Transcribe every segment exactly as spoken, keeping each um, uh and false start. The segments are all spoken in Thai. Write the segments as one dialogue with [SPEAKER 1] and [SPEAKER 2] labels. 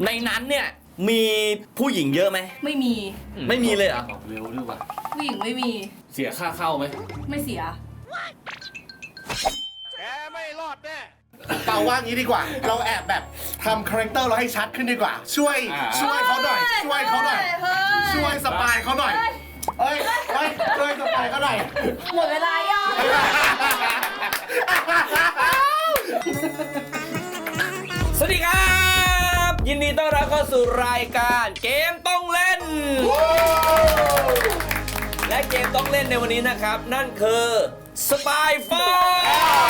[SPEAKER 1] ในนั้นเนี่ยมีผู้หญิงเยอะไหม
[SPEAKER 2] ไม่มี
[SPEAKER 1] ไม่มีเลยเหรอ
[SPEAKER 3] เร็วด้วยว่ะ
[SPEAKER 2] ผู้หญิงไม่มี
[SPEAKER 3] เสียค่าเข้าไหม
[SPEAKER 2] ไม่เสีย
[SPEAKER 3] แกไม่รอดแน่
[SPEAKER 4] เปาว่างี้ดีกว่าเราแอบแบบทำคาแรคเตอร์เราให้ชัดขึ้นดีกว่าช่วยช่วยเขาหน่อยช่วยเขาหน่อยช่วยสปายเขาหน่อยเอ้ยเอ้ยช่วยสปายเขาหน่อย
[SPEAKER 2] หมดเวลายัง
[SPEAKER 1] สวัสดีครับยินดีต้อนรับเข้าสู่รายการเกมต้องเล่นและเกมต้องเล่นในวันนี้นะครับนั่นคือสปายฟอร์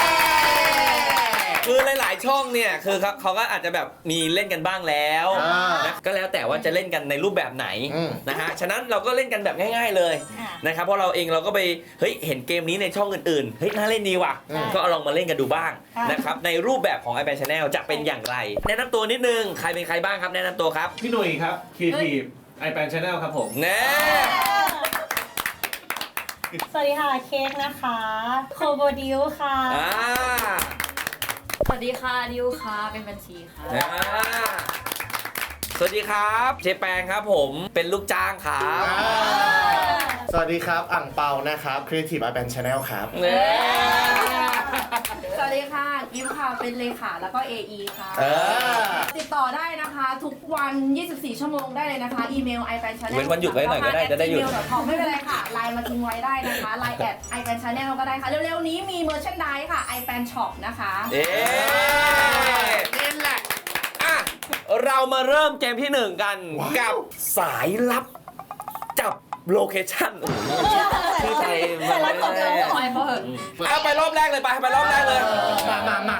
[SPEAKER 1] คือหลายๆช่องเนี่ยคือครับเขาก็อาจจะแบบมีเล่นกันบ้างแล้วนะก็แล้วแต่ว่าจะเล่นกันในรูปแบบไหนนะฮะฉะนั้นเราก็เล่นกันแบบง่ายๆเลยนะครับเพราะเราเองเราก็ไปเฮ้ยเห็นเกมนี้ในช่องอื่นๆเฮ้ยน่าเล่นดีว่ะก็ลองมาเล่นกันดูบ้างนะครับในรูปแบบของ iPad Channel จะเป็นอย่างไรแนะนำตัวนิดนึงใครเป็นใครบ้างครับแนะนำตัวครับ
[SPEAKER 3] พี่หนุ่ยครับ Creative iPad Channel ครับผม
[SPEAKER 1] แน่
[SPEAKER 5] สวัสดีค่ะเค้กนะคะโคโบดิวค่ะ
[SPEAKER 2] สวัสดีค่ะดิวค่ะเป็นบัญชีค่ะ
[SPEAKER 1] สวัสดีครับเจแปงครับผมเป็นลูกจ้างครับ
[SPEAKER 4] สวัสดีครับอ่างเปานะครับ Creative iPad Channel ครับ
[SPEAKER 2] สวัสดีค่ะกิฟค่ะเป็นเลขาแล้วก็ เอ อี ค่ะติดต่อได้นะคะทุกวันยี่สิบสี่ชั่วโมงได้เลยนะคะอีเมล iPad Channel
[SPEAKER 1] เว้นวันหยุดไว้หน่อยก็ได้จะได้หยุด
[SPEAKER 2] ไม่เป็นไรค่ะไลน์มาทิ้งไว้ได้นะคะไลน์แอด iPad Channel ก็ได้ค่ะเร็วๆนี้มี Merchandise ค่ะ iPad Shop นะคะ
[SPEAKER 1] เอ๊ะนี่แหละอ่ะเรามาเริ่มเกมที่หนึ่งกันกับสายลับจับโลเคชั่นที่ไทยมาเลยเอาไปรอบแรกเลยไปไปรอบแรกเลย
[SPEAKER 4] มามามา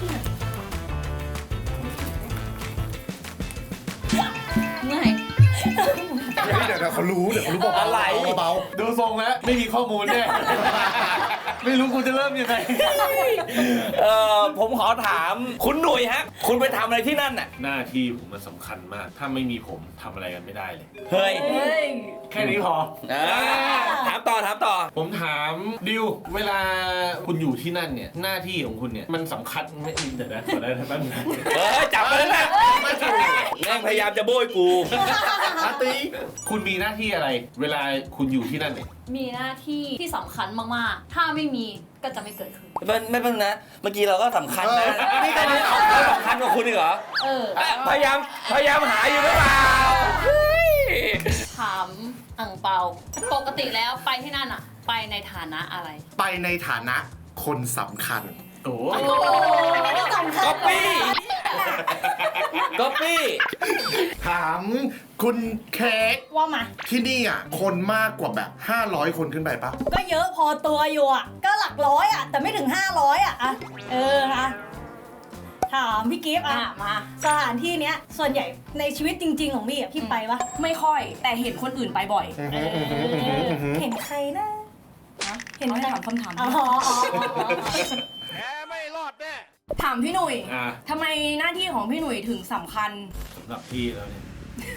[SPEAKER 2] เมื่อย
[SPEAKER 4] เดี๋ยวเขารู้เดี๋ยวเขารู้เบาๆเบา
[SPEAKER 3] ๆดูทรงแล้วไม่มีข้อมูลแน่ไม่รู้คุณจะเริ่มยังไง
[SPEAKER 1] เออผมขอถามคุณหนุ่ยฮะคุณไปทำอะไรที่นั่นน่ะ
[SPEAKER 3] หน้าที่ผมมันสำคัญมากถ้าไม่มีผมทำอะไรกันไม่ได้เลย
[SPEAKER 1] เฮ้ย
[SPEAKER 3] แค่นี้พอ
[SPEAKER 1] ถามต่อถามต่อ
[SPEAKER 3] ผมถามดิวเวลาคุณอยู่ที่นั่นเนี่ยหน้าที่ของคุณเนี่ยมันสำคัญไม่เดี๋ยวนะขอได้ไหมบ้างนะ
[SPEAKER 1] เออจับไปแล้วนะแม่งพยายามจะโบยกู
[SPEAKER 4] อาตี
[SPEAKER 3] คุณมีหน้าที่อะไรเวลาคุณอยู่ที่นั่นเนี่ย
[SPEAKER 2] มีหน้าที่ที่สำคัญมากๆถ้าไม่มีก็จะไม่เกิดขึ้น
[SPEAKER 1] ไม่ไม่เป็นนะเมื่อกี้เราก็สำคัญนะนี่ก็สำคัญกว่าคุณอีกเหรอ
[SPEAKER 2] เออ
[SPEAKER 1] พยายามพยายามหาอยู่หรือเปล่า
[SPEAKER 2] ถามอังเปาปกติแล้วไปที่นั่นอะไปในฐานะอะไร
[SPEAKER 4] ไปในฐานะคนสำคัญ
[SPEAKER 3] โอ้
[SPEAKER 1] ก๊อปปี้ก๊อปปี้
[SPEAKER 4] ถามคุณเค้ก
[SPEAKER 5] ว่ามา
[SPEAKER 4] ที่นี่อ่ะคนมากกว่าแบบห้าร้อยคนขึ้นไปปะ
[SPEAKER 5] ก็เยอะพอตัวอยู่อ่ะก็หลักร้อยอ่ะแต่ไม่ถึงห้าร้อยอ่ะอะเออค่ะถามพี่กิฟต์อ่ะมาสถานที่เนี้ยส่วนใหญ่ในชีวิตจริงๆของพี่อ่ะพี่ไปปะ
[SPEAKER 2] ไม่ค่อยแต่เห็นคนอื่นไปบ่อย
[SPEAKER 5] เห็นใครนะ
[SPEAKER 2] เห็นใครถามคำถาม
[SPEAKER 5] อ๋อ
[SPEAKER 3] แกไม่รอดแน่
[SPEAKER 2] ถามพี่หนุ่ยทำไมหน้าที่ของพี่หนุ่ยถึงสำคัญ
[SPEAKER 3] สำหรับพี่แล้วเนี่ย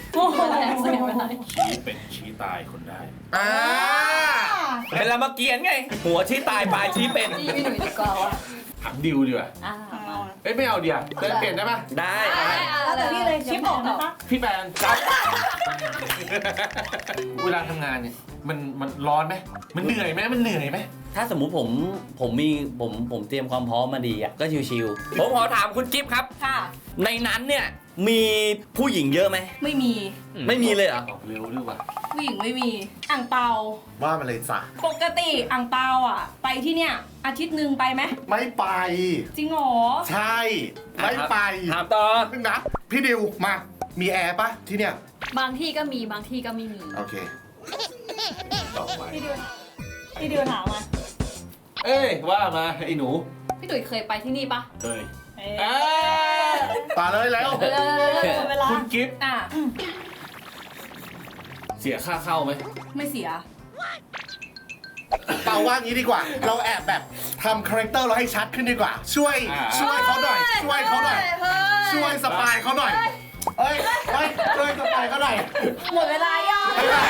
[SPEAKER 3] ชี้เป็นชี้ตายคนได้
[SPEAKER 1] เป็นรามเกียรติไงหัวชี้ตายปลายชี้เป็น
[SPEAKER 2] พี่หนุ่ยดีกว่า
[SPEAKER 3] ถามดิวดีกว่าเอ้ยไม่เอาเดียวเปลี่ยนได้ปะ
[SPEAKER 1] ได้
[SPEAKER 5] แล้วแต่พี่เลยชิปออกนะคะ
[SPEAKER 3] พี่แปนครับเวลาทำงานเนี่ยมันมันร้อนไหมมันเหนื่อยไหมมันเหนื่อยไหม
[SPEAKER 1] ถ้าสมมุติผมผมมีผมผมเตรียมความพร้อมมาดีอ่ะก็ชิวๆผมขอถามคุณจิ๊บครับ
[SPEAKER 2] ค่ะ
[SPEAKER 1] ในนั้นเนี่ยมีผู้หญิงเยอะไหม
[SPEAKER 2] ไม่มี
[SPEAKER 1] ไม่มีเลยเหรอ
[SPEAKER 3] เร็วด้วยว่ะ
[SPEAKER 2] ผู้หญิงไม่มีอ่างเปา
[SPEAKER 4] ว่ามาเลยจ้ะ
[SPEAKER 2] ปกติอ่างเปาอ่ะไปที่เนี่ยอาทิตย์หนึ่งไปไหม
[SPEAKER 4] ไม่ไป
[SPEAKER 2] จริงเหรอ
[SPEAKER 4] ใช่ไม่ไป
[SPEAKER 1] ถามต่อ
[SPEAKER 4] นะพี่ดิวมามีแอร์ปะที่เนี่ย
[SPEAKER 2] บางที่ก็มีบางที่ก็ไม่มี
[SPEAKER 4] โอเค
[SPEAKER 3] ต่อไป
[SPEAKER 5] พี่ดิวพี่ดิวถามมา
[SPEAKER 3] เอ้ยว่ามาไอ้หนู
[SPEAKER 2] พี่ตุ๋ยเคยไปที่นี่ปะ
[SPEAKER 3] เคย
[SPEAKER 4] ตาเลยแล้ว
[SPEAKER 3] คุณกิฟต์
[SPEAKER 2] อ่ะ
[SPEAKER 3] เสียค่าเข้าไหม
[SPEAKER 2] ไม่เสีย
[SPEAKER 4] เปาว่างี้ดีกว่าเราแอบแบบทำคาแรคเตอร์เราให้ชัดขึ้นดีกว่าช่วยช่วยเขาหน่อยช่วยเขาหน่อยช่วยสปายเขาหน่อยเอ้ยเอ้ยช่วยสปายเขาหน่อย
[SPEAKER 2] หมดเวลายัง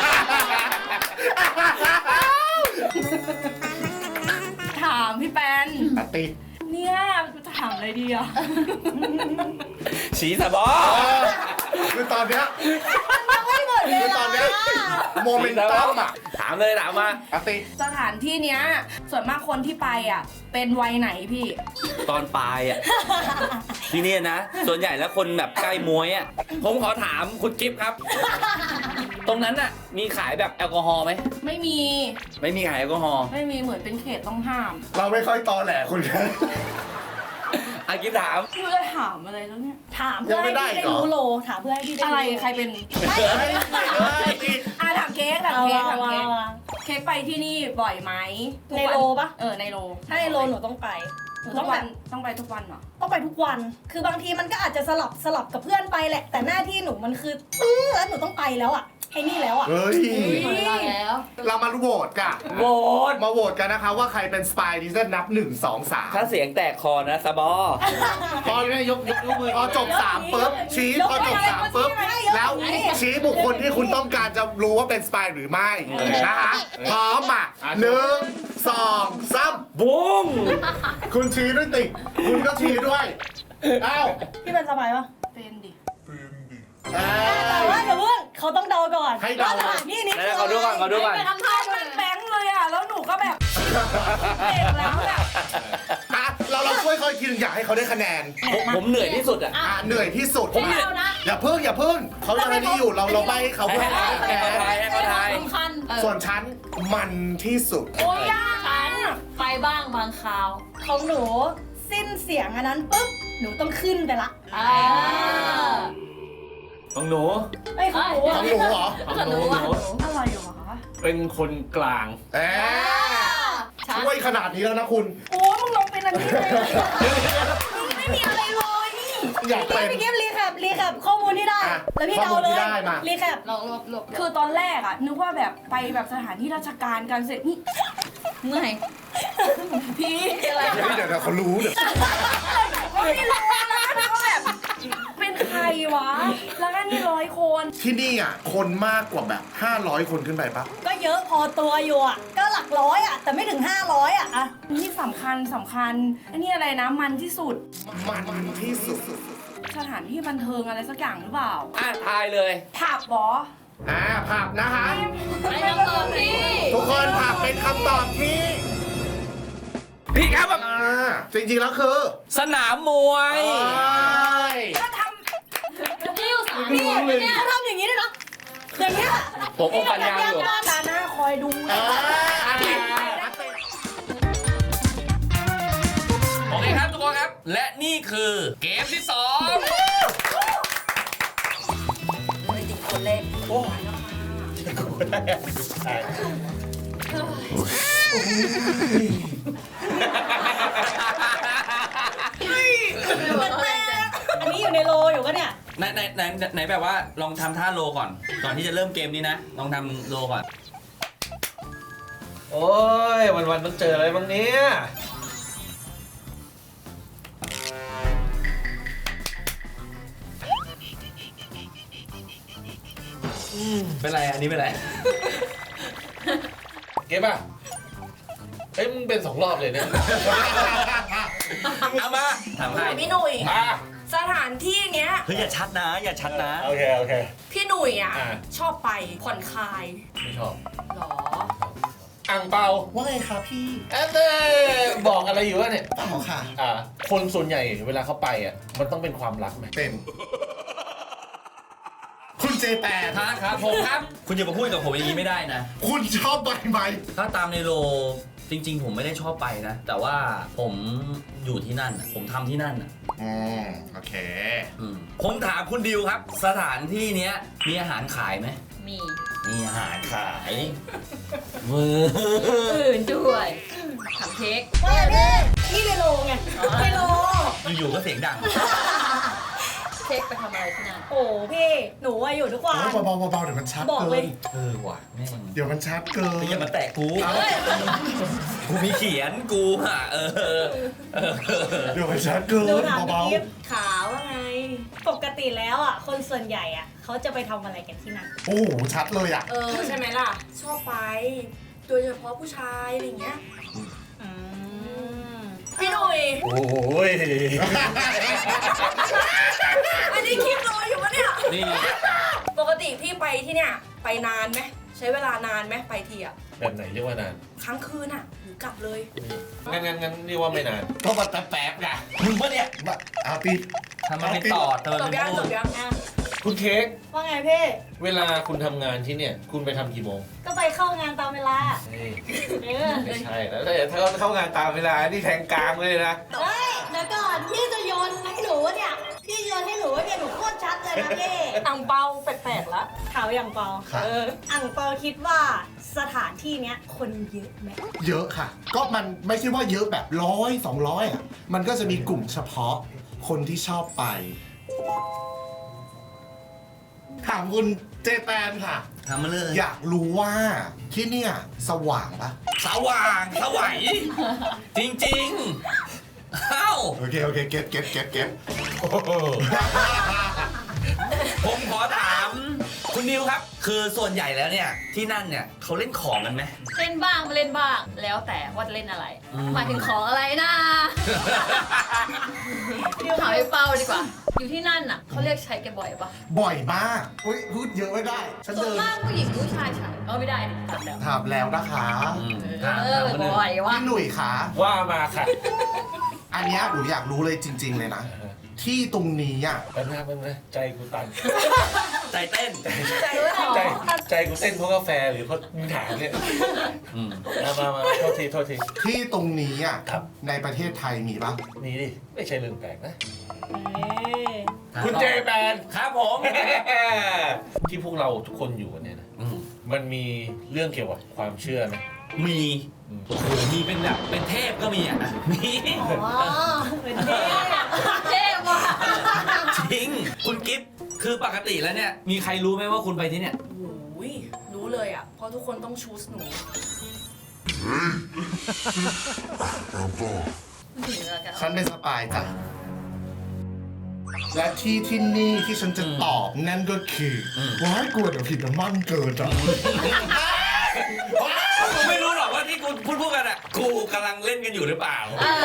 [SPEAKER 2] ถามพี่แปน
[SPEAKER 4] ติ
[SPEAKER 2] เนี่ยจะถามอะไรดีอ่ะ
[SPEAKER 1] ฉีสบอ
[SPEAKER 4] ตอนเนี้ย
[SPEAKER 5] ยังไม่หมดเลย
[SPEAKER 4] คือตอนเนี้ยโมเมนตัมอ่ะ
[SPEAKER 1] ถามเลยถามมา
[SPEAKER 4] อาติ
[SPEAKER 2] สถานที่เนี้ยส่วนมากคนที่ไปอ่ะเป็นวัยไหนพี่
[SPEAKER 1] ตอนปลายอ่ะ ที่เนี่ยนะ ส่วนใหญ่แล้วคนแบบใกล้มวยอ่ะ ผมขอถามคุณกิฟต์ครับ ตรงนั้นอ่ะ มีขายแบบแอลกอฮอล์ไหม
[SPEAKER 2] ไม่มี
[SPEAKER 1] ไม่มีขายแอลกอฮอล์
[SPEAKER 2] ไม่มีเหมือนเป็นเขตต้องห้าม
[SPEAKER 4] เราไม่ค่อยตอแหลคุณกัน
[SPEAKER 1] อากิฟต์ถาม
[SPEAKER 2] พี่จะถามอะไรแล้วเนี่ย
[SPEAKER 5] ถามเพื่อให้พี่ได้รู้โลถามเพื่อให้พี่ได้
[SPEAKER 2] อะไรใครเป็น
[SPEAKER 5] ไม่
[SPEAKER 2] อ่ะถามเค้กถามเค้กถาม
[SPEAKER 5] วา
[SPEAKER 2] เค้ก
[SPEAKER 5] วา
[SPEAKER 2] เค้กไปที่นี่บ่อยไหมทุก
[SPEAKER 5] ใน
[SPEAKER 2] วัน
[SPEAKER 5] โลปะ
[SPEAKER 2] เออในโล
[SPEAKER 5] ถ้าในโลหนูต้องไปหนู
[SPEAKER 2] ทุ
[SPEAKER 5] ต้อก ง
[SPEAKER 2] วั
[SPEAKER 5] แบ
[SPEAKER 2] น
[SPEAKER 5] บ
[SPEAKER 2] ต้องไปทุกวันเหรอ
[SPEAKER 5] ต้องไปทุกวัน คือบางทีมันก็อาจจะสลับสลับกับเพื่อนไปแหละ แต่หน้าที่หนูมันคืออื้อแล้วหนูต้องไปแล้วอ่ะไอ้นี่แล้วอ่ะ
[SPEAKER 4] เฮ้ย
[SPEAKER 2] แล้ว
[SPEAKER 4] เรามาโหวตกัน
[SPEAKER 1] โหวต
[SPEAKER 4] มาโหวตกันนะคะว่าใครเป็นสปายดิเซนนับหนึ่งสองสาม
[SPEAKER 1] ถ้าเสียงแตกคอนะสบอ
[SPEAKER 4] พอ
[SPEAKER 3] ยกยกยกมือ
[SPEAKER 4] พอจบสามปุ๊บชี้พอจบสามปุ๊บแล้วชี้บุคคลที่คุณต้องการจะรู้ว่าเป็นสปายหรือไม่นะคะพร้อมอ่ะหนึ่งสองสาม
[SPEAKER 1] บุ้ง
[SPEAKER 4] คุณชี้ด้วยติคุณก็ชี้ด้วยเอ้า
[SPEAKER 5] พี่เป็นสบายปะ
[SPEAKER 2] เป็นดิ
[SPEAKER 4] เอ้
[SPEAKER 5] แต่ว่าย เดี๋ยวเพิ่งเขาต้องเดาก่อน
[SPEAKER 4] ให้เดา
[SPEAKER 5] ว่สถานที่นี้
[SPEAKER 1] ไหนๆขอดูก่อนขอดูก่อน
[SPEAKER 5] ไปทำท่าด้วย
[SPEAKER 2] แบงค์เลยอ่ะแล้วหนูก็แบบเด็กแล้วแบบ
[SPEAKER 4] อ่ะเราเราช่วยเขาอีกทีหนึงอยากให้เขาได้คะแนน
[SPEAKER 1] ผมผมเหนื่อยที่สุดอ่ะ
[SPEAKER 4] อ่ะเหนื่อยที่สุด
[SPEAKER 1] ผมเหนื่อย
[SPEAKER 4] อย่าเพิ่งอย่าเพิ่งเขายังไม่ได้อยู่เราเราใบให้เขาเพื่อ
[SPEAKER 1] ให้
[SPEAKER 4] ให้เขาได้คะแน
[SPEAKER 1] ให้เขาทาย
[SPEAKER 4] น
[SPEAKER 1] ให้เขาทาย
[SPEAKER 6] สำคัญ
[SPEAKER 4] ส่วนฉันมันที่สุด
[SPEAKER 2] โอ้ยยาก
[SPEAKER 6] ฉันไปบ้างบางคราว
[SPEAKER 5] ของหนูสิ้นเสียงอันนั้นปุ๊บหนูต้องขึ้นไปละ
[SPEAKER 6] อ่า
[SPEAKER 3] ของหนู
[SPEAKER 5] ไอ้ยของหนู
[SPEAKER 4] ข
[SPEAKER 5] อะ
[SPEAKER 4] องหนูเหรอ
[SPEAKER 3] ของหนูหนู
[SPEAKER 2] อะไรวะ
[SPEAKER 3] เป็นคนกลาง
[SPEAKER 4] แหมช่วยขนาดนี้แล้วนะคุณ
[SPEAKER 2] โอ้มึงลงเป็นอันนี้เลยมึงไม่มีอะไรเลยนี่
[SPEAKER 4] อยากเป็น
[SPEAKER 5] พี่กิฟต์รีแคปรีแคปข้อมูลที่ได้
[SPEAKER 4] อ่ะ
[SPEAKER 5] แล้วพี่
[SPEAKER 4] ข้
[SPEAKER 5] เดา
[SPEAKER 4] อมูล
[SPEAKER 5] เล
[SPEAKER 4] ที่
[SPEAKER 5] ย
[SPEAKER 4] ได้มา
[SPEAKER 5] รีแคป
[SPEAKER 6] ลองลบลบ
[SPEAKER 2] คือตอนแรกอะนึกว่าแบบไปแบบสถานที่ราชการกันเสร็จนี่
[SPEAKER 6] เมื่อย
[SPEAKER 2] พี่
[SPEAKER 6] อะไร
[SPEAKER 4] เดี๋ยวเดี๋ยวเดี๋ยวเขารู้เดี๋ยว
[SPEAKER 2] ไม่รู้นะนึกว่าแบบเป็นใครวะ แล้วก็นี่ร้อยคน
[SPEAKER 4] ที่นี่อ่ะคนมากกว่าแบบห้าร้อยคนขึ้นไปปะ
[SPEAKER 5] ก็เยอะพอตัวอยู่อ่ะ ก็หลักร้อยอ่ะ แต่ไม่ถึงห้าร้อยอ่ะอะ
[SPEAKER 2] นี่สำคัญสำคัญอันนี้อะไรนะมันที่สุด
[SPEAKER 4] มันที่สุด
[SPEAKER 2] สถานที่บันเทิงอะไรสักอย่างหรือเปล่า
[SPEAKER 1] อ่ะทายเลย
[SPEAKER 2] ผับบอ
[SPEAKER 4] อ่าผับนะคะ
[SPEAKER 6] ไปน้ำตอบพี่
[SPEAKER 4] ทุกคนผับเป็นคำตอบที่
[SPEAKER 1] พี่ครับแบบ
[SPEAKER 4] อ่าจริงๆแล้วคือ
[SPEAKER 1] สนามมวย
[SPEAKER 4] เอ้ย
[SPEAKER 2] ก็ท
[SPEAKER 6] ที่อยู่สาม
[SPEAKER 5] นี่
[SPEAKER 6] คนเนี่ย
[SPEAKER 5] เขาทำอย่างนี้ด้วยนะอย่างเงี้ย
[SPEAKER 1] ผมอมปัญญาอยู่
[SPEAKER 2] ำตาหน้าคอยดู
[SPEAKER 4] อ่า
[SPEAKER 1] โอเคครับทุกคนครับ และนี่คือเกมที่สอง
[SPEAKER 2] คนเล่น
[SPEAKER 5] อันนี้อยู่ในโลอยู่ก็เนี่ย
[SPEAKER 1] ไหนไหนไหนไหนแบบว่าลองทำท่าโลก่อน ก่อนที่จะเริ่มเกมนี้นะ ลองทำโลก่อน
[SPEAKER 3] โอ้ยวันวันๆต้องเจออะไรบ้างเนี้ย
[SPEAKER 1] เป็นไรอันนี้เป็นไร
[SPEAKER 3] เก็บป่ะเอ้ยมึงเป็นสองรอบเลยเนี่ย
[SPEAKER 1] เอามาถามใคร
[SPEAKER 2] พี่หนุ่ย
[SPEAKER 3] อ่ะ
[SPEAKER 2] สถานที่เนี้ย
[SPEAKER 1] เฮ้ยอย่าชัดนะ อย่าชัดนะ
[SPEAKER 3] โอเคโอเค
[SPEAKER 2] พี่หนุ่ยอ่ะ
[SPEAKER 3] อ่า
[SPEAKER 2] ชอบไปผ่อนคลาย
[SPEAKER 3] ไม่ชอบ
[SPEAKER 2] หรอ
[SPEAKER 3] อ่างเปา
[SPEAKER 4] ว่าไงคะพี่
[SPEAKER 3] เอ๊ะเต้บอกอะไรอยู่วะเนี่ย
[SPEAKER 4] เปล่าค่ะ
[SPEAKER 3] อ่า คนส่วนใหญ่เวลาเขาไปอ่ะ มันต้องเป็นความรักไหม
[SPEAKER 4] เป็น คุณเจแปน
[SPEAKER 1] ครับครับผมครับ คุณจะมาพูดกับผมอย่างนี้ไม่ได้นะ
[SPEAKER 4] คุณชอบใบไหม
[SPEAKER 1] ถ้าตามในโลจริง ๆ ผมไม่ได้ชอบไปนะ แต่ว่าผมอยู่ที่นั่นน่ะผมทำที่นั่นน่ะ
[SPEAKER 4] อืมโอเค
[SPEAKER 1] อืมผมถามคุณดิวครับ สถานที่เนี้ยมีอาหารขายไหม
[SPEAKER 6] มี
[SPEAKER 1] มีอาหารขายเว้ย
[SPEAKER 6] อื่นด้วยทำเค้ก
[SPEAKER 5] ว่าพี่นี่ในโลไงในโล
[SPEAKER 1] อยู่ๆก็เสียงดัง
[SPEAKER 6] เค้กไปทำอะไรที่นั่น
[SPEAKER 5] โอ้พี่ หนูอะอยู่ทุกวัน
[SPEAKER 4] โอ้ยเบาๆเบาๆเดี๋ยวมันชัด
[SPEAKER 5] บอก
[SPEAKER 4] เกิ
[SPEAKER 5] เลย
[SPEAKER 4] น
[SPEAKER 1] เออว่ะแม่ง
[SPEAKER 4] เดี๋ยวมันชัดเกิน
[SPEAKER 1] อย่ามาแตะกูกูมีเขียนกูอ่ะเออเออเออ
[SPEAKER 4] เดี๋ยวมันชัดเกิน
[SPEAKER 5] หนูถามพี่
[SPEAKER 4] เบา
[SPEAKER 5] กิฟต์ขาวว่าไง ปกติแล้วอ่ะ คนส่วนใหญ่อ่ะ เขาจะไปทำอะไรกันที่นั่น
[SPEAKER 4] ๆโอ้โหชัดเลยอ่ะ
[SPEAKER 2] เออใช่ไหมล่ะ ชอบไป โดยเฉพาะผู้ชายอะไรอย่างเงี้ย
[SPEAKER 5] อืม
[SPEAKER 2] พี่หนุ่ย
[SPEAKER 3] โอ้ย
[SPEAKER 2] อันนี้คลิปรออยู่ปะเนี่ย
[SPEAKER 1] นี่
[SPEAKER 2] ปกติพี่ไปที่เนี่ยไปนานไหมใช้เวลานานไหมไปทีอะ
[SPEAKER 3] แบบไหนเรียกว่านาน
[SPEAKER 2] ครั้งคืนอะหรือกลับเลย
[SPEAKER 3] งั้นงั้นงั้นเรียกว่าไม่นาน
[SPEAKER 4] ก็มาแต่แป๊บไง
[SPEAKER 1] มึงปะเนี่ย
[SPEAKER 4] มาเอาปี
[SPEAKER 1] ทำไมไม่ตอดเธอ
[SPEAKER 2] จบ
[SPEAKER 1] เป็น
[SPEAKER 2] ยัง
[SPEAKER 1] พู
[SPEAKER 2] จ
[SPEAKER 1] ด
[SPEAKER 2] บยัง
[SPEAKER 5] อ่ะ
[SPEAKER 3] คุณเค้ก
[SPEAKER 5] ว่าไงพี่
[SPEAKER 3] เวลาคุณทำงานที่เนี่ย คุณไปทำกี่โมง
[SPEAKER 5] ก็ไปเข้างานตามเวลา
[SPEAKER 3] เฮ้ย
[SPEAKER 5] เออ
[SPEAKER 3] ไม่ใช่แล้วถ้าเขาเข้างานตามเวลา นี่แทงกลางเลยนะ
[SPEAKER 5] เฮ้ยเดี๋ยวก่อนพี่จะโยนให้หนูวะเนี่ย พี่โยนให้หนูวะเนี่ยหนูโคตรชัดเลยนะพี่
[SPEAKER 2] อังเปาแปลกๆละ
[SPEAKER 5] ข่าวอย่างเปา
[SPEAKER 4] ค่ะ
[SPEAKER 2] เออ
[SPEAKER 5] อ่างเปาคิดว่าสถานที่เนี้ยคนเยอะไหม
[SPEAKER 4] เยอะค่ะ ก็มันไม่ใช่ว่าเยอะแบบร้อยสองร้อยอ่ะ มันก็จะมีกลุ่มเฉพาะคนที่ชอบไป ถามคุณเจแปนค่ะ
[SPEAKER 1] ทำมาเลย
[SPEAKER 4] อยากรู้ว่าที่เนี่ยสว่างปะ
[SPEAKER 1] สว่างสวัยจริงๆเอ้า
[SPEAKER 4] โอเค โอเค เก็ตเก็ตเก็ตเก็ต
[SPEAKER 1] ผมขอถามคุณนิวครับ คือส่วนใหญ่แล้วเนี่ยที่นั่นเนี่ยเขาเล่นของกันไหม
[SPEAKER 6] เล่นบ้างไม่เล่นบ้าง แล้วแต่ว่าจะเล่นอะไร
[SPEAKER 1] อืม
[SPEAKER 6] หมายถึงของอะไรนะถามไอ้เป้าดีกว่า อยู่ที่นั่นน่ะเขาเรียกใช้แกบ่อยปะ
[SPEAKER 4] บ่อยมากอุ้ยพูดเยอะไม่ได้ ฉัน
[SPEAKER 6] ส่วน
[SPEAKER 4] เดิน
[SPEAKER 6] มากผู้หญิงผู้ชายใช้เออไม่ได้ดิตัดแล้ว
[SPEAKER 4] ถามแล้วนะคะ
[SPEAKER 1] อืม
[SPEAKER 6] เออบ่อยวะ
[SPEAKER 4] พี่หนุ่ยคะ
[SPEAKER 3] ว่ามาค่ะ
[SPEAKER 4] อันเนี้ยหนูอยากรู้เลยจริง ๆ เลยนะ ที่ตรงนี้อ่ะ
[SPEAKER 3] แป๊บนึงแป๊บนึงใจกูตัน
[SPEAKER 1] ใจเต้น
[SPEAKER 3] ใจใจกูเต้นเพราะกาแฟหรือเพราะมึงถามเนี่ย
[SPEAKER 1] อืม
[SPEAKER 3] มามามาโทษทีโทษที
[SPEAKER 4] ที่ตรงนี้อ่ะ
[SPEAKER 3] ครับ
[SPEAKER 4] ในประเทศไทยมีปะ
[SPEAKER 3] นี่ดิ ไม่ใช่เรื่องแปลกนะ
[SPEAKER 5] เอ้ย
[SPEAKER 3] คุณเจแปน
[SPEAKER 1] ครับผม
[SPEAKER 3] ที่พวกเราทุกคนอยู่กันเนี่ยนะ
[SPEAKER 1] อืม
[SPEAKER 3] มันมีเรื่องเกี่ยวกับความเชื่อไหม
[SPEAKER 1] มี
[SPEAKER 3] อืม
[SPEAKER 1] โอ้โหมีเป็นแบบเป็นเทพก็มีอ่ะมี
[SPEAKER 5] อ๋อเหมือนเด้
[SPEAKER 6] เท่ว่ะ
[SPEAKER 1] จริงคุณกิฟต์คือปกติแล้วเนี่ย มีใครรู้ไหมว่าคุณไปที่เนี่ย
[SPEAKER 2] โอ้ยรู้เลยอะเพราะทุกคนต้องชูสหนู
[SPEAKER 4] ฉันเป็นสปายจ้ะ และที่ที่นี่ที่ฉันจะตอบนั่นก็คืออ
[SPEAKER 1] ม
[SPEAKER 4] ว้ายกลัวเดี๋ยวผิดน้ำมันเกินจ้ะ
[SPEAKER 1] กูไม่รู้หรอกว่าที่กูพูดพูดกันอ่ะกูกำลังเล่นกันอยู่หรือเปล่า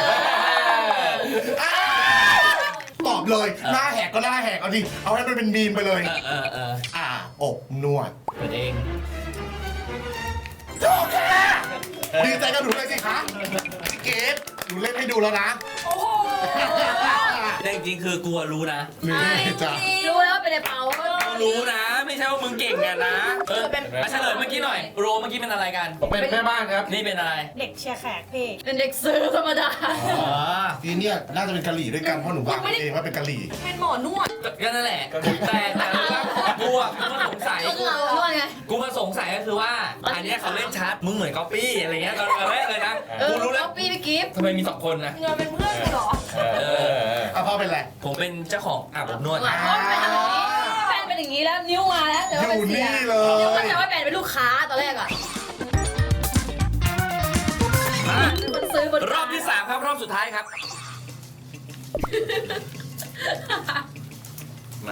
[SPEAKER 4] ตอบเลย หน้าแหกก็หน้าแหกเอาดิ เอาให้มันเป็นมีมไปเลย
[SPEAKER 1] เออเออเออ
[SPEAKER 4] อ่าอกนวด
[SPEAKER 1] เปิดเอง
[SPEAKER 4] โอเคดีใจกับหนูเลยสิคะเกดหนูเล่นให้ดูแล้วนะ
[SPEAKER 2] โอ้โห
[SPEAKER 1] แต่จริงๆคือกูอะรู้นะ
[SPEAKER 4] หนูเล่นให้จ้ะ
[SPEAKER 6] รู้แล้วเป็นไอ้เป้า
[SPEAKER 1] กูรู้นะ ไม่ใช่ว่ามึงเก่งกันนะเอออ่ะเฉลยเมื่อกี้หน่อยโรเมื่อกี้เป็นอะไรกัน
[SPEAKER 3] ผมเป็นแม่บ้านครับ
[SPEAKER 1] นี่เป็นอะไร
[SPEAKER 5] เด็กเชียร์แขกพี่
[SPEAKER 6] เป็นเด็กซื้อธรรมดา
[SPEAKER 1] อ๋อ
[SPEAKER 4] ทีเนี่ยน่าจะเป็นกะหรี่ด้วยกันเพราะหนูวางเองว่าเป็นกะหรี่
[SPEAKER 2] เป็นหมอนวด
[SPEAKER 1] ก็นั่นแหละแต่แต่ว่ากูอะกูมาสงสัย
[SPEAKER 6] ก็เราด้วยไง
[SPEAKER 1] กูมาสงสัยก็คือว่า อันเนี้ยเขาเล่นชัดมึงเหมือนก๊อปปี้อะไรเงี้ยตอนแรกเลยนะ
[SPEAKER 6] เออ
[SPEAKER 1] กูรู้แล้ว
[SPEAKER 6] เอาปีไปกิฟต์
[SPEAKER 1] ทำไมมีสองคนนะ
[SPEAKER 2] เงินเป็นเพื่อนกันเหรอ
[SPEAKER 3] เออเออเออ
[SPEAKER 4] อ่ะพ่อเป็นไร
[SPEAKER 1] ผมเป็นเจ้าของอาบอบนวด
[SPEAKER 6] หลังก็แฟนแฟนเป็นอย่างนี้แล้วนิ้วมาแล้วแต่
[SPEAKER 4] อ
[SPEAKER 6] ว่าเป็น
[SPEAKER 4] ยู่
[SPEAKER 6] เสีย
[SPEAKER 4] นี่เล
[SPEAKER 6] นิ้วก็
[SPEAKER 4] ย
[SPEAKER 6] จะว่าแฟนเป็นลูกค้าตอนแรกอ่ะ
[SPEAKER 1] มา
[SPEAKER 6] เป็นคนซื้อบน
[SPEAKER 1] รอบที่สามครับรอบสุดท้ายครับ มา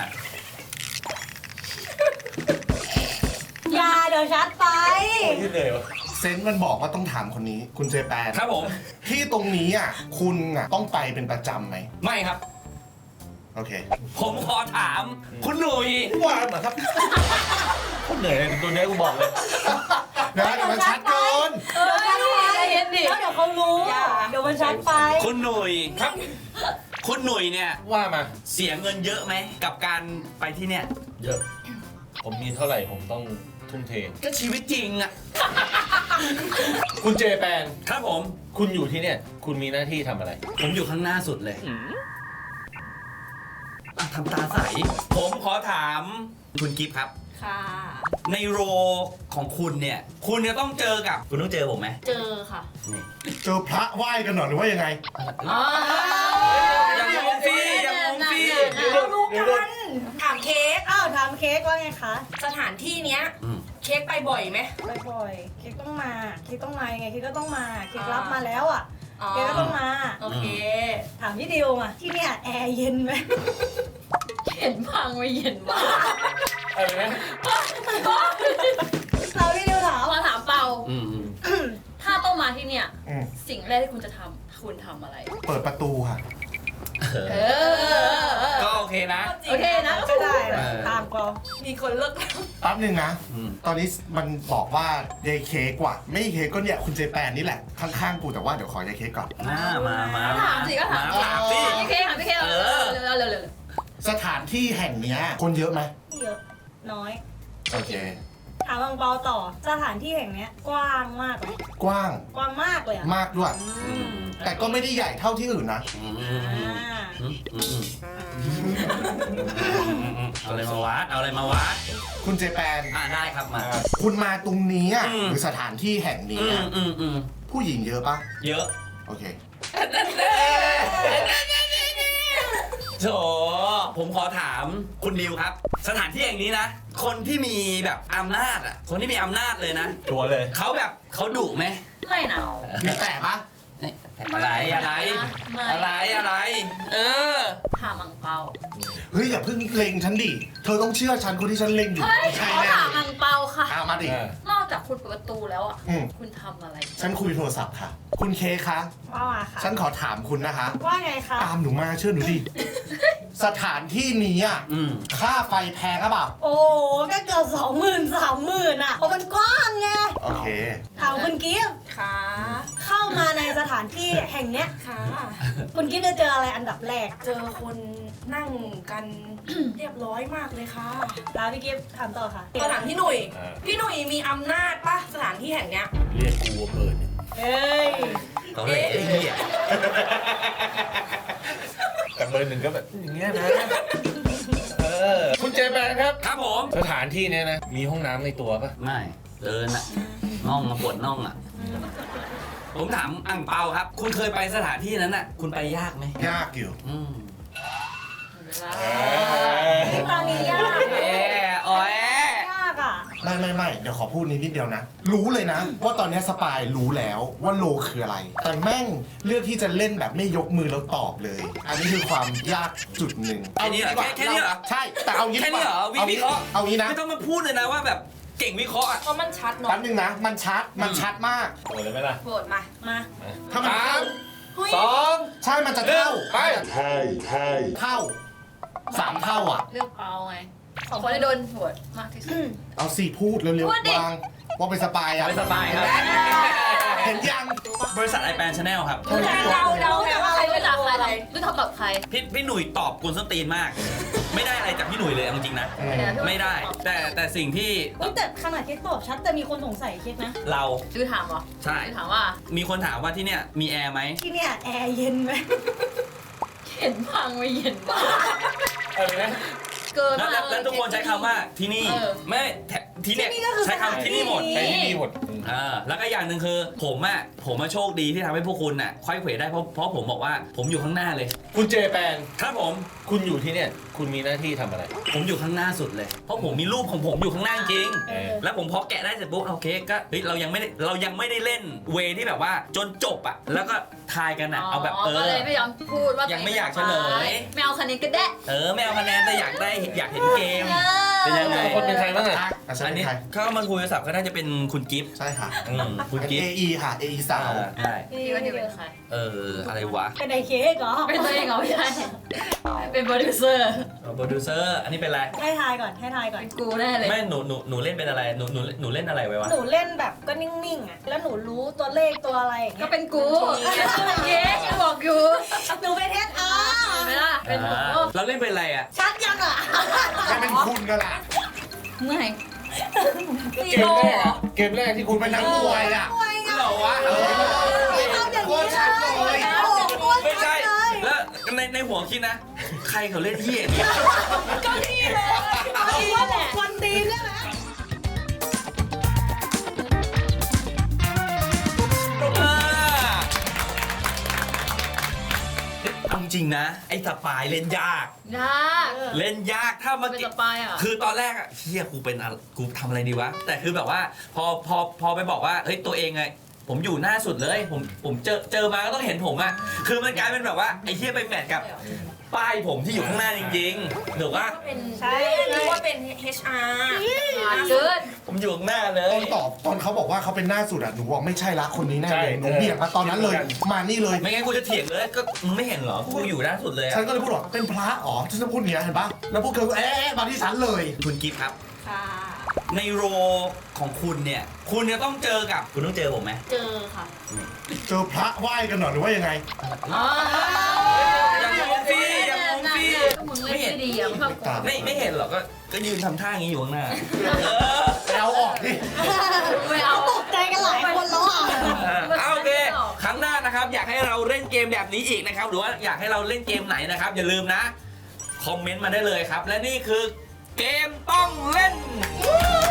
[SPEAKER 5] อย่าเดี๋ยวชัดไป
[SPEAKER 3] ยืดเลยวะ
[SPEAKER 4] เซนส์มันบอกว่าต้องถามคนนี้ คุณเจแปน
[SPEAKER 1] ครับผม
[SPEAKER 4] ที่ตรงนี้อ่ะคุณอ่ะต้องไปเป็นประจำไหม
[SPEAKER 1] ไม่ครับ
[SPEAKER 4] โอเค
[SPEAKER 1] ผมขอถาม คุณหนุ่ย
[SPEAKER 4] ว่าเหมือนครับ
[SPEAKER 3] คนเหนื่อยเลยตัวเนี้ยกูบอกเลย
[SPEAKER 4] นะเดี๋ยวมันชัดเกิน
[SPEAKER 6] เออใจเย็นดิ
[SPEAKER 5] แล้วเดี๋ยวเขารู้
[SPEAKER 2] อย่า
[SPEAKER 5] เดี๋ยวมันชัดไป
[SPEAKER 1] คุณหนุ่ยครับ คุณหนุ่ยเนี่ย
[SPEAKER 3] ว่ามา
[SPEAKER 1] เสียเงินเยอะไหมกับการไปที่เนี่ย
[SPEAKER 3] เยอะ ผมมีเท่าไหร่ผมต้องทุ่มเท
[SPEAKER 1] ก็ชีวิตจริงอะ
[SPEAKER 3] คุณเจแปน
[SPEAKER 1] ครับผม
[SPEAKER 3] คุณอยู่ที่เนี่ย คุณมีหน้าที่ทำอะไร
[SPEAKER 1] ผมอยู่ข้างหน้าสุดเลยอ่ะทำตาใส ผมขอถามคุณกิฟต์ครับ
[SPEAKER 2] ค่ะ
[SPEAKER 1] ในโรของคุณเนี่ย คุณจะต้องเจอกับ คุณต้องเจอผมไหม
[SPEAKER 6] เจอค่ะ
[SPEAKER 1] นี่
[SPEAKER 4] เจอพระไหว้กันหน่อยหรือว่ายังไง
[SPEAKER 6] อ๋อ
[SPEAKER 1] อย่างงงสิอย่างงงสิ
[SPEAKER 5] เรารู้กัน
[SPEAKER 2] ถามเค้ก
[SPEAKER 5] อ้าวถามเค้กว่าไงคะ
[SPEAKER 2] สถานที่เนี้ย
[SPEAKER 1] อืม
[SPEAKER 2] เค้กไปบ่อยไหม
[SPEAKER 5] บ่อยๆเค้กต้องมา เค้กต้องมายังไง เค้กก็ต้องมา เค้ก
[SPEAKER 2] อ่ารั
[SPEAKER 5] รับมาแล้วอ่ะ
[SPEAKER 2] อ๋อ
[SPEAKER 5] เค้กก็ต้องมา
[SPEAKER 2] โอเค
[SPEAKER 5] ถามพี่ดิวมาที่เนี่ยแอร์เย็นไหม
[SPEAKER 6] เห็นบ้างไม่เห็นบ้าง
[SPEAKER 3] อะไรนะ
[SPEAKER 5] เราพี่ดิวถาม
[SPEAKER 6] มาถามเปา
[SPEAKER 1] อืมอืม
[SPEAKER 6] ถ้าต้องมาที่เนี่ย
[SPEAKER 4] อืม
[SPEAKER 6] สิ่งแรกที่คุณจะทำคุณทำอะไร
[SPEAKER 4] เปิดประตูค่ะ
[SPEAKER 6] เออ
[SPEAKER 1] ก็โอเคนะ
[SPEAKER 6] โอเคนะ
[SPEAKER 5] ก็ได้นะ
[SPEAKER 1] เออ
[SPEAKER 5] ตามก็
[SPEAKER 6] มีคนเลิก
[SPEAKER 4] แป๊บนึงนะ
[SPEAKER 1] อืม
[SPEAKER 4] ตอนนี้มันบอกว่ายายเค้กว่ะ ไม่เค้กก็เนี่ยคุณเจแปนนี่แหละ ข้างๆกูแต่ว่าเดี๋ยวขอยายเค้กก่อน
[SPEAKER 1] มามามา
[SPEAKER 6] ถามสิก็ถาม
[SPEAKER 1] ถามสิ
[SPEAKER 6] พี่เคถามพี่เคเร็วเร็วเร็วเร็ว
[SPEAKER 4] สถานที่แห่งเนี้ยคนเยอะไหม
[SPEAKER 5] เยอะน้อย
[SPEAKER 4] โอเค
[SPEAKER 5] ถามบางเปาต่อสถานที่แห่งเนี้ยกว้างมากเลย
[SPEAKER 4] กว้าง
[SPEAKER 5] กว้างมากเลยอะ
[SPEAKER 4] มากด้วย
[SPEAKER 5] อืม
[SPEAKER 4] แต่ก็ไม่ได้ใหญ่เท่าที่อื่นนะ
[SPEAKER 1] อืม
[SPEAKER 5] อ่า
[SPEAKER 1] อืมอืมอืมเอาอะไรมาวัดเอาอะไรมาวัด
[SPEAKER 4] คุณเจแปน
[SPEAKER 1] อ่าได้ครับมา
[SPEAKER 4] คุณมาตรงนี้อะ
[SPEAKER 1] อืม
[SPEAKER 4] หรือสถานที่แห่งนี้
[SPEAKER 1] อื
[SPEAKER 4] อะ
[SPEAKER 1] มอืมอืม
[SPEAKER 4] ผู้หญิงเยอะปะ
[SPEAKER 1] เยอะ
[SPEAKER 4] โอเค
[SPEAKER 1] โถผมขอถามคุณดิวครับ สถานที่อย่างนี้นะ คนที่มีแบบอำนาจอ่ะ คนที่มีอำนาจเลยนะ
[SPEAKER 3] ตัวเลย
[SPEAKER 1] เขาแบบเขาดุไหม
[SPEAKER 6] ไม่นะ
[SPEAKER 4] มีแต่ปะ
[SPEAKER 1] อะไรอะไร
[SPEAKER 6] ไม่
[SPEAKER 1] อะไรอะไร เออ
[SPEAKER 6] ถามอังเปา
[SPEAKER 4] เฮ้ยอย่าเพิ่งเล็งฉันดิ เธอต้องเชื่อฉันคนที่ฉันเล็งอยู่
[SPEAKER 6] เฮ้ย
[SPEAKER 4] ใช่
[SPEAKER 6] ขอ
[SPEAKER 4] แน่
[SPEAKER 6] ถามอังเปาค่ะ
[SPEAKER 4] เอามาดิ
[SPEAKER 6] นอกจากคุณเปิดประตูแล้วอ่ะ
[SPEAKER 4] อืม
[SPEAKER 6] คุณทำอะไร
[SPEAKER 4] ฉันคุยโทรศัพท์ค่ะ คุณเคกคะ
[SPEAKER 5] ว่ามาค่ะ
[SPEAKER 4] ฉันขอถามคุณนะคะ
[SPEAKER 5] ว่าไงคะ
[SPEAKER 4] ตามหนูมาเชื่อหนูดิ สถานที่นี้อ่ะ
[SPEAKER 1] อืม
[SPEAKER 4] ค่าไฟแพงหรือเปล่า
[SPEAKER 5] โอ้ก็เกือบสองหมื่นสามหมื่นอ่ะเพราะมันกว้างไง
[SPEAKER 4] โอเค
[SPEAKER 5] ถามคุณกิฟต์
[SPEAKER 2] ค่ะ
[SPEAKER 5] เข้ามาในสถานที่แห่งเนี้ย
[SPEAKER 2] ค่ะ
[SPEAKER 5] คุณกิฟต์จะเจออะไรอันดับแรก
[SPEAKER 2] เจอคนนั่งกัน เรียบร้อยมากเลยค่ะ
[SPEAKER 5] ลาพี่กิฟต์ถามต่อค่ะ
[SPEAKER 2] ก็ถามพี่หนุ่ย
[SPEAKER 3] อ่า
[SPEAKER 2] พี่หนุ่ยมีอำนาจปะสถานที่แห่งเนี้ย
[SPEAKER 3] เรียกกูว่าเปิด
[SPEAKER 5] เอ้ย
[SPEAKER 1] ตอนแรกไอ้เหี้ย
[SPEAKER 3] แต่เบอร์หนึ่งก็แบบอย่างเงี้ยนะ เออ คุณเจแปนครับ
[SPEAKER 1] ครับผม
[SPEAKER 3] สถานที่เนี้ยนะ มีห้องน้ำในตัวปะ
[SPEAKER 1] ไม่เดินอะน่องมาปวดน่องอะผมถามอังเปาครับ คุณเคยไปสถานที่นั้นอะคุณไปยากไหม
[SPEAKER 4] ยากอยู่
[SPEAKER 1] อืม
[SPEAKER 5] ตอนนี้ยาก
[SPEAKER 1] แย่อ๋อย
[SPEAKER 5] ยากอ่ะ
[SPEAKER 4] ไม่ไม่ไม่เดี๋ยวขอพูดนิดนิดเดียวนะ รู้เลยนะ ว่าตอนนี้สปายรู้แล้วว่าโลคืออะไร แต่แม่งเลือกที่จะเล่นแบบไม่ยกมือแล้วตอบเลย อันนี้คือความยากจุดหนึ่ง
[SPEAKER 1] แค่นี้เหรอ
[SPEAKER 4] ดีกว่า
[SPEAKER 1] แค่นี้เหรอ
[SPEAKER 4] ใช่ แต่เอางี้
[SPEAKER 1] แค่
[SPEAKER 4] ดีก
[SPEAKER 1] นี้
[SPEAKER 4] ว่า
[SPEAKER 1] เหรอวิ
[SPEAKER 4] เอา
[SPEAKER 1] วิ
[SPEAKER 4] งี้
[SPEAKER 1] เคราะห์
[SPEAKER 4] เอางี้นะ
[SPEAKER 1] ไม่ต้องมาพูดเลยนะว่าแบบเก่งวิเคราะห์อะ
[SPEAKER 2] เพราะมันชัดเนาะ
[SPEAKER 4] แป๊บนึงนะ มันชัด มันชัดมาก
[SPEAKER 3] เปิดเลยไหมล่ะ
[SPEAKER 2] โหวตมา
[SPEAKER 5] มา
[SPEAKER 4] ถ้ามัน
[SPEAKER 3] สาม
[SPEAKER 2] เฮ้ย
[SPEAKER 3] สอง
[SPEAKER 4] ใช่ มันจะเท่า
[SPEAKER 3] ไป
[SPEAKER 4] เท่าเท่าสามเท่าอ่ะ
[SPEAKER 6] เลือกเปาไงคนที่โดนโหวตมากที่สุด
[SPEAKER 4] เอาสี่พูดเร็ว
[SPEAKER 6] พูดดิ
[SPEAKER 4] ๆวางว่าเป็นสปายอ่ะ
[SPEAKER 1] ไม่สบายครับ
[SPEAKER 4] เห็นยัง
[SPEAKER 1] บริษัทไอแปนชาแนลครับ
[SPEAKER 2] เราเราแต่ว่า
[SPEAKER 6] ใค
[SPEAKER 2] ใค
[SPEAKER 6] ร
[SPEAKER 2] ร
[SPEAKER 6] รู้
[SPEAKER 2] ไม่
[SPEAKER 6] จั
[SPEAKER 2] รั
[SPEAKER 6] ก
[SPEAKER 2] ก
[SPEAKER 6] ใคร
[SPEAKER 2] อะไร
[SPEAKER 6] รู้จักกับใคร
[SPEAKER 1] พี่พี่หนุ่ยตอบกวนส้นตีนมาก ไม่ได้อะไรจากพี่หนุ่ยเลยเอาจริงนะ ไม่ได้ แต่แต่สิ่งที่
[SPEAKER 5] อุ๊ยแต่ขนาดคิดตอบชัดแต่มีคนสงสัยคิดนะ
[SPEAKER 1] เรา
[SPEAKER 6] ชื่อถามเหรอ
[SPEAKER 1] ใช่
[SPEAKER 6] ชื่อถามว่า
[SPEAKER 1] มีคนถามว่าที่เนี่ยมีแอร์ไหม
[SPEAKER 5] ที่เนี่ยแอร์เย็นไหม
[SPEAKER 6] เห็นพังไม่เย็นบ้าง
[SPEAKER 3] อะไรนะ
[SPEAKER 6] เกิน
[SPEAKER 1] แล้ว
[SPEAKER 6] มา
[SPEAKER 1] แล้ว
[SPEAKER 6] ก
[SPEAKER 1] แล้วทุกคนใช้คำว่าที่นี่
[SPEAKER 6] เออ
[SPEAKER 1] ไม่แถที่เนี่ย
[SPEAKER 5] ที่นี่ก็คือ
[SPEAKER 1] ใช้คำที่นี่หมด
[SPEAKER 5] สถาน
[SPEAKER 3] ไปที่นี่หมด
[SPEAKER 1] อ่าแล้วก็อย่างหนึ่งคือผมอะผมมาโชคดีที่ทำให้พวกคุณน่ะค่อยเขวได้เพราะเพราะผมบอกว่าผมอยู่ข้างหน้าเลย
[SPEAKER 3] คุณเจแปน
[SPEAKER 1] ครับผม
[SPEAKER 3] คุณอยู่ที่เนี่ย คุณมีหน้าที่ทำอะไร
[SPEAKER 1] ผมอยู่ข้างหน้าสุดเลย เพราะผมมีรูปของผมอยู่ข้างหน้าจริง
[SPEAKER 5] เออ
[SPEAKER 1] แล้วผมพอแกะได้เสร็จปุ๊บโอเคก็เฮ้ยเรายังไม่ได้เรายังไม่ได้เล่นเวที่แบบว่าจนจบอะแล้วก็ทายกันอะเอาแบบเอ
[SPEAKER 6] ก็
[SPEAKER 1] อ
[SPEAKER 6] เลยไม่ยอมพูดว่า
[SPEAKER 1] ยังไม่อยากเฉลย
[SPEAKER 6] ไม่เอาคะแนนก็ได้
[SPEAKER 1] เออไม่เอาคะแนนแต่อยากได้อยากเห็นเกม เป็นยังไง
[SPEAKER 3] คนเป็นใครบ้างอะ
[SPEAKER 4] อ่ะใช่
[SPEAKER 1] อัน
[SPEAKER 4] เป็
[SPEAKER 1] นี้
[SPEAKER 4] นใคร
[SPEAKER 1] เข้ามาคุยโทรศัพท์ก็น่าจะเป็นคุณกิฟต์
[SPEAKER 4] ใช่ค่ะ
[SPEAKER 1] อืมคุณ
[SPEAKER 4] เป็น
[SPEAKER 1] กิฟ
[SPEAKER 4] เอ
[SPEAKER 1] ต์
[SPEAKER 4] ไอค่ะ เอ ไอ สาว
[SPEAKER 1] อ่าใช่
[SPEAKER 6] พี่ว่านี่เป็นใคร
[SPEAKER 1] เอออะไรวะ
[SPEAKER 5] เป็นไอเค้กเหรอ
[SPEAKER 6] เป็นตัวเองเหรอไม่ใช่ เป็นโปรดิวเซอร์
[SPEAKER 1] โปรดิวเซอร์อันนี้เป็นอะไร
[SPEAKER 5] ให้ทายก่อนให้ทายก่อน
[SPEAKER 6] เป็นกูแน่เลย
[SPEAKER 1] ไม่หนูหนูหนูเล่นเป็นอะไรหนูหนูหนูเล่นอะไรไว้วะ
[SPEAKER 5] หนูเล่นแบบก็นิ่งๆอ่ะแล้วหนูรู้ตัวเลขตัวอะไรอย่าง
[SPEAKER 6] ก็
[SPEAKER 5] เงี้ย
[SPEAKER 6] เป็นกูเย้ยังบอกอยู่
[SPEAKER 5] หนูเป็นเอสอา
[SPEAKER 6] เห็นไหมล่ะ เป็นหมู
[SPEAKER 1] อ่าเราเล่นเป็นอะไรอ่ะ
[SPEAKER 5] ชัดยังอ่ะ
[SPEAKER 4] จะเป็นคุณกันละ
[SPEAKER 6] เมื่อย
[SPEAKER 3] เกมแรกอะเกมแรกที่คุ
[SPEAKER 4] คุณ ณเป็นนักมวยอ่ะ
[SPEAKER 1] เหรอวะ
[SPEAKER 5] ไม่ทำอย่างนี้
[SPEAKER 4] โคตรชัดเลย
[SPEAKER 5] โอ้โหโคตร
[SPEAKER 1] ไม่
[SPEAKER 5] ชั
[SPEAKER 1] ใช่
[SPEAKER 5] ดเลย
[SPEAKER 1] แล้วในในหัวคิดนะ ใครเขาเล่นเหี้ยเนี่ย
[SPEAKER 5] ก็นี่เลยเอาอีกว่าบอกคนดีใช่ไหม
[SPEAKER 1] อ่าเอาจริงนะ ไอ้สปายเล่นยาก
[SPEAKER 6] ยาก
[SPEAKER 1] เล่นยากถ้ามา
[SPEAKER 6] เป็น
[SPEAKER 1] เก็
[SPEAKER 6] ส
[SPEAKER 1] บ
[SPEAKER 6] ปายอ่ะ
[SPEAKER 1] คือตอนแรกอะเฮียกูเป็นอะไรกูทำอะไรดีวะ แต่คือแบบว่าพอพอพอไปบอกว่าเฮ้ยตัวเองไงผมอยู่หน้าสุดเลย ผมผมเจอเจอมาก็ต้องเห็นผมอะคือมันกลายเป็นแบบว่าไอ้เฮียไปแมทกับป้ายผมที่อยู่ข้างหน้าจริงๆถูกปะ
[SPEAKER 2] เป็นใช่รู้ว่าเป็น เอช อาร์
[SPEAKER 6] เกิน
[SPEAKER 1] ผมผมอยู่ข้างหน้าเล
[SPEAKER 4] ตอย นตอบตอนเขาบอกว่าเขาเป็นหน้าสุดอะหนูบอกไม่ใช่ละคนนี้แน่เลยหนูเบี่ยงมาตอนนั้นเลยมานี่เลย
[SPEAKER 1] ไม่งั้นกูจะเถียงเลยก็มึงไม่เห็นเหรอกูอยู่หน้าสุดเลย
[SPEAKER 4] ฉั
[SPEAKER 1] อะ
[SPEAKER 4] นก็เลยพูดว่าเป็นพระอ๋อฉันจะพูดอย่างเงี้ยเห็นปะแล้วพวกเธอก็เอ๊ะมาที่ฉันเลย
[SPEAKER 1] คุณกิฟต์ครับ
[SPEAKER 2] ค่ะ
[SPEAKER 1] ในโรของคุณเนี่ย คุณจะต้องเจอกับคุณต้องเจอผมไหม
[SPEAKER 2] เจอค่ะ
[SPEAKER 4] เจอพระไหว้กันหน่อยหรือว่ายังไง
[SPEAKER 1] อย่างมงฟรีอย่างมงฟรี
[SPEAKER 6] ก็มึงเล่นไม่ดีอ่ะมึงเข้าก่อน
[SPEAKER 1] ไม่ไม่เห็นหรอกก็ก็ยืนทำท่าอย่างนี้อยู่ข้างหน้า
[SPEAKER 4] เอาออกดิ
[SPEAKER 6] ไม่เอา
[SPEAKER 5] ตกใจกันหลายคนแล้วอ่ะ
[SPEAKER 1] เอาโอเคครั้งหน้านะครับ อยากให้เราเล่นเกมแบบนี้อีกนะครับ หรือว่าอยากให้เราเล่นเกมไหนนะครับ อย่าลืมนะ คอมเมนต์มาได้เลยครับ และนี่คือเกมต้องเล่น